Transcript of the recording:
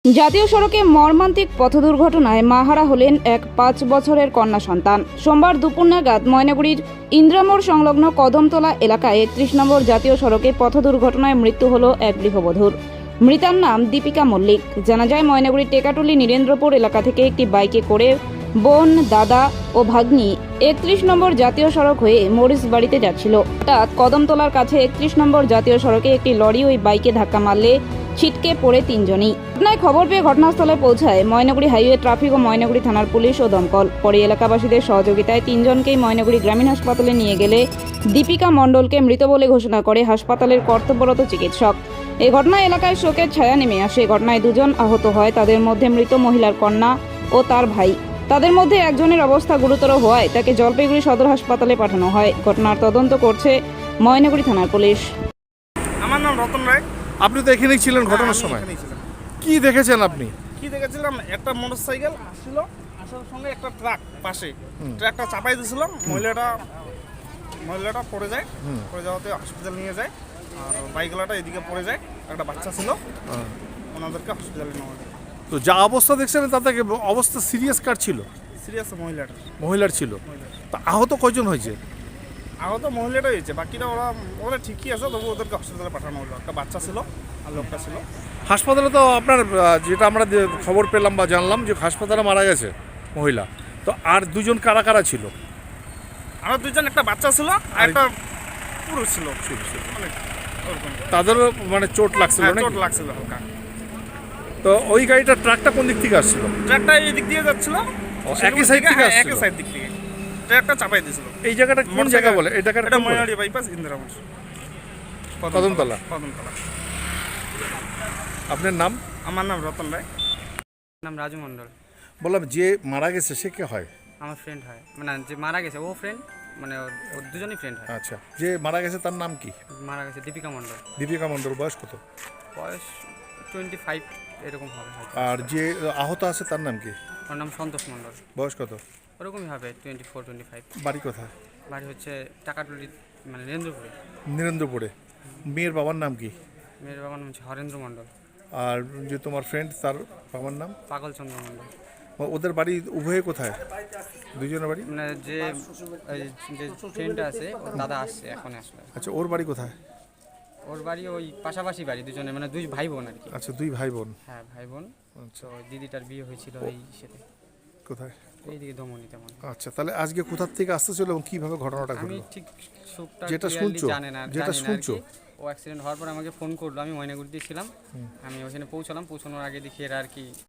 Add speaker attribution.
Speaker 1: জাতীয় সড়কে মর্মান্তিক পথ দুর্ঘটনায় মাহারা হলেন এক 5 বছরের কন্যা সন্তান। সোমবার দুপুর নাগাদ ময়নাগুড়ির ইন্দ্রামোড় সংলগ্ন কদমতলা এলাকায় 31 নম্বর জাতীয় সড়কে পথ দুর্ঘটনায় মৃত্যু হল এক গৃহবধূর। মৃতার নাম দীপিকা মল্লিক। জানা যায়, ময়নাগুড়ির টেকাটুলি নীরেন্দ্রপুর এলাকা থেকে একটি বাইকে করে বোন, দাদা ও ভাগ্নি 31 নম্বর জাতীয় সড়ক হয়ে মরিচ বাড়িতে যাচ্ছিল। হঠাৎ কদমতলার কাছে 31 নম্বর জাতীয় সড়কে একটি লরি ওই বাইকে ধাক্কা মারলে ছিটকে পড়ে তিনজনই। ঘটনায় খবর পেয়ে ঘটনাস্থলে পৌঁছায় ময়নাগুড়ি হাইওয়ে ট্রাফিক ও ময়নাগুড়ি থানার পুলিশ ও দমকল। পরে এলাকাবাসীদের সহযোগিতায় তিনজনকেই ময়নাগুড়ি গ্রামীণ হাসপাতালে নিয়ে গেলে দীপিকা মণ্ডলকে মৃত বলে ঘোষণা করে হাসপাতালের কর্তব্যরত চিকিৎসক। এই ঘটনায় এলাকায় শোকের ছায়া নেমে আসে। ঘটনায় দুজন আহত হয়, তাদের মধ্যে মৃত মহিলার কন্যা ও তার ভাই। তাদের মধ্যে একজনের অবস্থা গুরুতর হওয়ায় তাকে জলপাইগুড়ি সদর হাসপাতালে পাঠানো হয়। ঘটনার তদন্ত করছে ময়নাগুড়ি থানার পুলিশ।
Speaker 2: আমার নাম রতন রায়।
Speaker 3: আপনি তো এখানেই ছিলেন ঘটনার সময়, কি দেখেছেন আপনি?
Speaker 2: কি দেখেছিলাম, একটা মোটরসাইকেল আসছিল, আসার সঙ্গে একটা ট্রাক পাশে, ট্রাকটা চাপাই দিয়েছিলাম। মহিলাটা পড়ে যায়, পড়ে যাওয়াতে হসপিটাল নিয়ে যায়। আর বাইকওয়ালাটা এদিকে পড়ে যায়, একটা বাচ্চা ছিল, ওনাদেরকে হসপিটালে নেওয়া যায়।
Speaker 3: তো যা অবস্থা দেখছেন তাতে অবস্থা সিরিয়াস কার ছিল?
Speaker 2: সিরিয়াস
Speaker 3: মহিলার ছিল। তা আহত কয়জন হয়েছে?
Speaker 2: আহত মহিলাটা হয়েছে, বাকিটা ওরা ঠিকই আছে, তবু ওদেরকে হসপিটালে পাঠানো হলো। একটা বাচ্চা ছিল আর লোকটা ছিল।
Speaker 3: হাসপাতালে তো আপনার যেটা আমরা খবর পেলাম বা জানলাম যে হাসপাতালে মারা গেছে মহিলা, তো আর দুজন কারা কারা ছিল?
Speaker 2: আর দুজন, একটা বাচ্চা ছিল আর একটা পুরুষ ছিল।
Speaker 3: তাদেরও মানে চোট লাগছিল?
Speaker 2: চোট লাগছিল হালকা।
Speaker 3: তো ওই গাড়িটা ট্রাকটা কোন দিক থেকে আসছিল?
Speaker 2: ট্রাকটা এই দিক দিয়ে যাচ্ছিল,
Speaker 3: একই সাইড থেকে আসছিল?
Speaker 2: একই সাইড দিক থেকে ট্রাকটা চাপাই দিয়েছিল।
Speaker 3: এই জায়গাটা কোন জায়গা বলে? এই জায়গাটা
Speaker 2: এটা ময়নাগুড়ি বাইপাস, ইন্দিরামোড়,
Speaker 3: কদমতলা।
Speaker 2: কদমতলা।
Speaker 3: আপনার নাম?
Speaker 2: আমার নাম রতন রায়।
Speaker 4: নাম রাজু মণ্ডল।
Speaker 3: বললাম যে মারা গেছে সে কে হয়?
Speaker 4: আমার ফ্রেন্ড হয়, মানে যে মারা গেছে ও ফ্রেন্ড, মানে ওর দুজনই ফ্রেন্ড হয়।
Speaker 3: আচ্ছা, যে মারা গেছে তার নাম কি?
Speaker 4: মারা গেছে দীপিকা মণ্ডল।
Speaker 3: দীপিকা মণ্ডল। বয়স কত?
Speaker 4: বয়স 25 এরকম হবে হয়তো।
Speaker 3: আর যে আহত আছে তার নাম কি?
Speaker 4: ওর নাম সন্তোষ মণ্ডল।
Speaker 3: বয়স কত?
Speaker 4: ওরকমই হবে 24-25।
Speaker 3: বাড়ি কোথায়?
Speaker 4: বাড়ি হচ্ছে টাকাটুলি, মানে নীরেন্দ্রপুরে।
Speaker 3: নীরেন্দ্রপুরে। মেয়ের বাবার নাম কি?
Speaker 4: মেয়ের বাবার নাম হচ্ছে হরেন্দ্র মণ্ডল।
Speaker 3: আর যে তোমার ফ্রেন্ড তার বাবার নাম?
Speaker 4: পাগলচন্দ্র মণ্ডল।
Speaker 3: ওদের বাড়ি উভয়ে কোথায়? দুজনের বাড়ি?
Speaker 4: মানে যে ফ্রেন্ডটা আছে ওর দাদা আসছে, এখন আসবে।
Speaker 3: আচ্ছা, ওর বাড়ি কোথায়?
Speaker 4: ওর বাড়ি ওই পাশাপাশি বাড়ি, দুজনে মানে দুই ভাই বোন আর কি।
Speaker 3: আচ্ছা, দুই ভাই বোন।
Speaker 4: হ্যাঁ, ভাই বোন।
Speaker 3: আচ্ছা,
Speaker 4: তো দিদিটার বিয়ে হয়েছিল এই সাথে,
Speaker 3: কোথায়?
Speaker 4: এইদিকে দমনিতে মনে হয়।
Speaker 3: আচ্ছা, তাহলে আজকে কোথার থেকে আসতেছিল এবং কিভাবে ঘটনাটা
Speaker 4: আমি
Speaker 3: ঘটলো?
Speaker 4: ঠিক সুখটা
Speaker 3: যেটা
Speaker 4: clearly
Speaker 3: শুনছো,
Speaker 4: জানি না আর কি। ও অ্যাক্সিডেন্ট হওয়ার পর আমাকে ফোন করলো, আমি ময়নাগুড়িতে ছিলাম। আমি ওখানে পৌঁছানোর আগে দেখি এরা আর কি